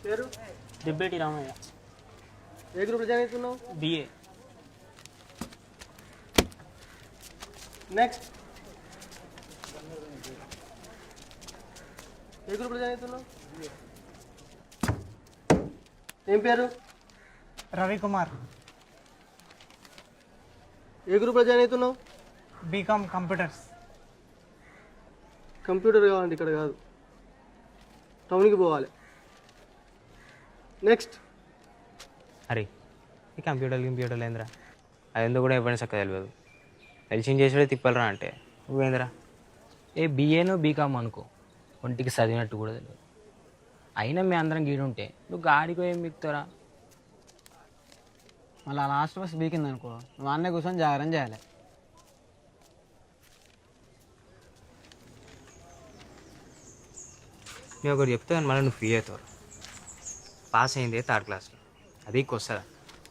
పేరు దిబ్బేటి రామయ్య. ఏ గ్రూప్లో జాయిన్ అవుతున్నావు? బిఏ. నెక్స్ట్ ఏ గ్రూప్లో జాయిన్ అవుతున్నావు? ఏం పేరు? రవికుమార్. ఏ గ్రూప్లో జాయిన్ అవుతున్నావు? BCom computers. కంప్యూటర్ కావాలంటే ఇక్కడ కాదు, టౌన్కి పోవాలి. నెక్స్ట్ అరే ఈ కంప్యూటర్లు ఏందిరా? అది ఎందుకు కూడా ఎవరైనా చక్కగా తెలియదు. తెలిసింది చేసేదే తిప్పలరా అంటే నువ్వేందిరా? ఏ బిఏనో బీకామ్ అనుకో, ఒంటికి చదివినట్టు కూడా తెలియదు. అయినా మీ అందరం గీడుంటే నువ్వు గాడికో ఏం మిక్తారా? మళ్ళీ లాస్ట్ బస్ బీకింది అనుకో, నువ్వు అన్నీ కూర్చొని జాగ్రత్త చేయాలి. నేను ఒకటి చెప్తాను, మళ్ళీ నువ్వు ఫ్రీ అవుతావు. పాస్ అయిందే 3rd క్లాస్లో, అది వస్తుందా?